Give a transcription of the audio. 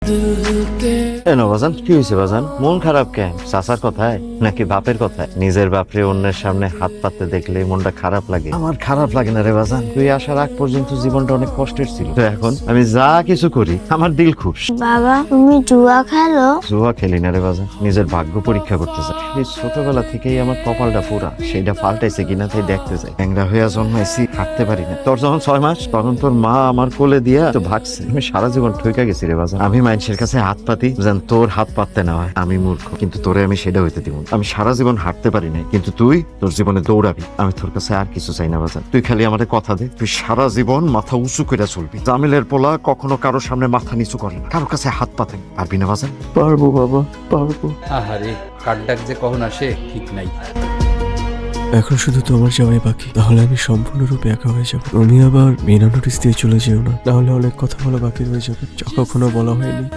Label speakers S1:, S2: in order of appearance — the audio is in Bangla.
S1: বাজান কি হয়েছে বাজান? মন খারাপ কেন? চাচার কথায় নাকি বাপের কথায়? নিজের বাপরে অন্যের সামনে হাত পাততে দেখলে মনটা খারাপ লাগে। আমার খারাপ লাগে না রে বাজান, তুই আসার আগ পর্যন্ত জীবনটা অনেক কষ্টের ছিল, তো এখন আমি যা কিছু করি আমার দিল খুশ।
S2: বাবা তুমি জুয়া খেলো?
S1: জুয়া খেলি না রে বাজান, নিজের ভাগ্য পরীক্ষা করতে চাই। এই ছোটবেলা থেকেই আমার কপালটা পুরা, সেটা পাল্টাইছে কিনা তাই দেখতে চাই। ট্যাংরা হইয়া জন্মাইছি, হাঁটতে পারি না। তোর যখন 6 মাস তখন তোর মা আমার কোলে দিয়া তো ভাগছে। আমি সারা জীবন ঠইকা গেছি রে বাজান। আমি মানুষের কাছে হাত পাতি যেন তোর হাত পাততে না হয়। আমি মূর্খ, কিন্তু তোরে আমি সেটা হইতে দিব না। আমি সারা জীবন হাঁটতে পারি নাই, কিন্তু তুই তোর জীবনে দৌড়াবি। আমি তোর কাছে আর কিছু চাই না বাজান, তুই খালি আমারে কথা দে, তুই সারা জীবন মাথা উঁচু করে চলবি। জামিলের পোলা কখনো কারোর সামনে মাথা নিচু করে না, কারোর কাছে হাত পাতে না। পারবি না বাজান?
S3: পারবো বাবা, পারবো।
S4: আহারে, কার ডাক যে কখন আসে ঠিক নাই।
S3: এখন শুধু তোমার যাওয়াই বাকি, তাহলে আমি সম্পূর্ণরূপে একা হয়ে যাবো। তুমি আবার বিনা নোটিস দিয়ে চলে যেও না, তাহলে অনেক কথা বলা বাকি রয়ে যাবে যা কখনো বলা হয়নি।